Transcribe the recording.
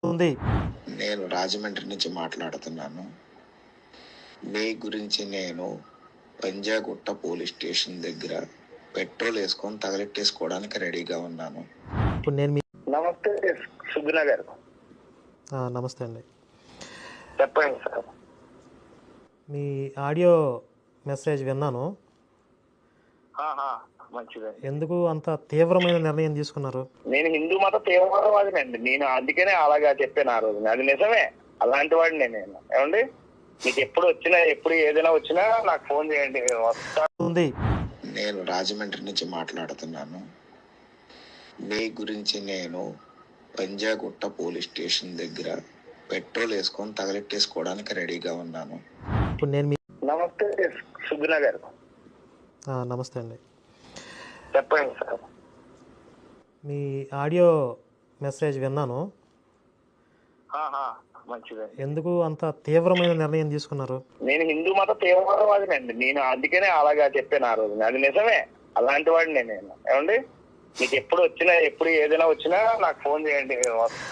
ఉంది. నేను రాజమండ్రి నుంచి మాట్లాడుతున్నాను. మీ గురించి నేను పంజాగుట్ట పోలీస్ స్టేషన్ దగ్గర పెట్రోల్ వేసుకొని తగలెట్టేసుకోవడానికి రెడీగా ఉన్నాను. ఇప్పుడు నేను నమస్తే సుగుణ గారు. నమస్తే అండి. చెప్పండి సార్. మీ ఆడియో మెసేజ్ విన్నాను. మంచిదే. ఎందుకు అంత తీవ్రమైన నిర్ణయం తీసుకున్నారు? నేను హిందూ మత తీవ్రవాదినండి. నేను అందుకనే అలాగా చెప్పాను ఆ రోజు. అది నిజమే. అలాంటి వాడిని నేను. ఏమండి, మీకు ఎప్పుడు వచ్చినా ఎప్పుడు ఏదైనా వచ్చినా నాకు ఫోన్ చేయండి, వస్తా. ఉంది. నేను రాజమండ్రి నుంచి మాట్లాడుతున్నాను. మీ గురించి నేను పంజాగుట్ట పోలీస్ స్టేషన్ దగ్గర పెట్రోల్ వేసుకొని తగలెట్టేసుకోవడానికి రెడీగా ఉన్నాను. ఇప్పుడు నేను నమస్తే సుగుణ గారు. నమస్తే అండి. చెప్పండి సార్. మీ ఆడియో మెసేజ్ విన్నాను. మంచిదే. ఎందుకు అంత తీవ్రమైన నిర్ణయం తీసుకున్నారు? నేను హిందూ మత తీవ్రవాదినండి. నేను అందుకనే అలాగా చెప్పాను ఆ రోజు. అది నిజమే. అలాంటి వాడిని నేను. ఏమండి, మీకు ఎప్పుడు వచ్చినా ఎప్పుడు ఏదైనా వచ్చినా నాకు ఫోన్ చేయండి, వస్తా.